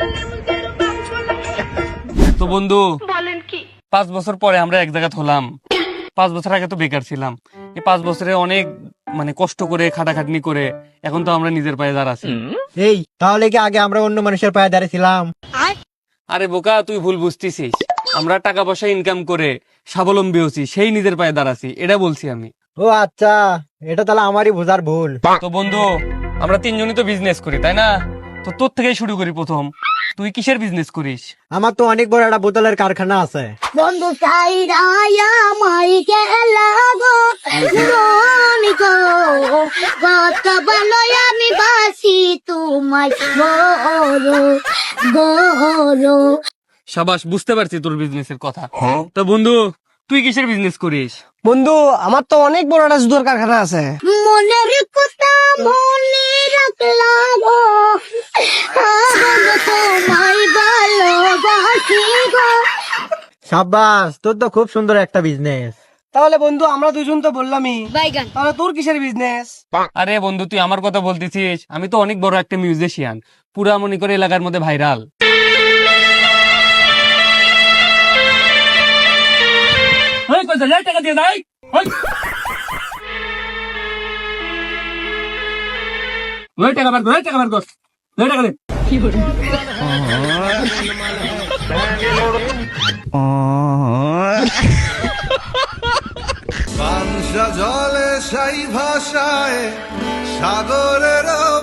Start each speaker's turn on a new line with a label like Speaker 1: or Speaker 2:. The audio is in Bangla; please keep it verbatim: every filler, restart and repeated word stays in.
Speaker 1: তো বন্ধু বলেন কি, পাঁচ বছর পরে আমরা এক জায়গায় হলাম। পাঁচ বছর আগে তো বেকার ছিলাম। এই পাঁচ বছরে অনেক মানে কষ্ট করে খাটাখাটনি করে এখন তো আমরা নিজের পায়ে দাঁড়াচ্ছি।
Speaker 2: এই তাহলে কি আগে আমরা অন্য মানুষের পায়ে দাঁড়িয়েছিলাম?
Speaker 1: আরে বোকা, তুই ভুল বুঝতেছিস। আমরা টাকা পয়সা ইনকাম করে স্বাবলম্বী হচ্ছি, সেই নিজের পায়ে দাঁড়াচ্ছি, এটা বলছি আমি।
Speaker 2: ও আচ্ছা, এটা তাহলে আমারই বোঝার ভুল।
Speaker 1: তো বন্ধু, আমরা তিনজনই তো বিজনেস করি, তাই না? তো তোর থেকেই শুরু করি প্রথম। তুই কিসের বিজনেস করিস?
Speaker 2: আমার তো অনেক বড় একটা বোতলের কারখানা আছে।
Speaker 3: বন্ধু চাইরায়া মাই গেলা গো রনি গো কত ভালো আমি বাসি তোমায় গরো গরো।
Speaker 1: সাবাস, বুঝতে পারছি তোর বিজনেসের কথা। তো বন্ধু, তুই কিসের বিজনেস করিস?
Speaker 4: বন্ধু, আমার তো অনেক বড় একটা জুতোর কারখানা আছে।
Speaker 3: মনের কথা মনে রাখলাম গো বন্ধু তোমায় ভালোবাসি গো।
Speaker 2: সাব্বাস, তোর তো খুব সুন্দর একটা বিজনেস।
Speaker 4: তাহলে বন্ধু, আমরা দুজন তো বললামই,
Speaker 3: বাইগান
Speaker 4: তাহলে তোর কিসের বিজনেস?
Speaker 1: আরে বন্ধু, তুই আমার কথা বলতেছিস? আমি তো অনেক বড় একটা মিউজিশিয়ান, পুরা মনে করে এলাকার মধ্যে ভাইরাল। টাকা দিয়ে যাই। টাকা বার কর, টাকা বার কর, টাকা দে।
Speaker 5: পাংশা জলে সাই ভাষায় সাগরের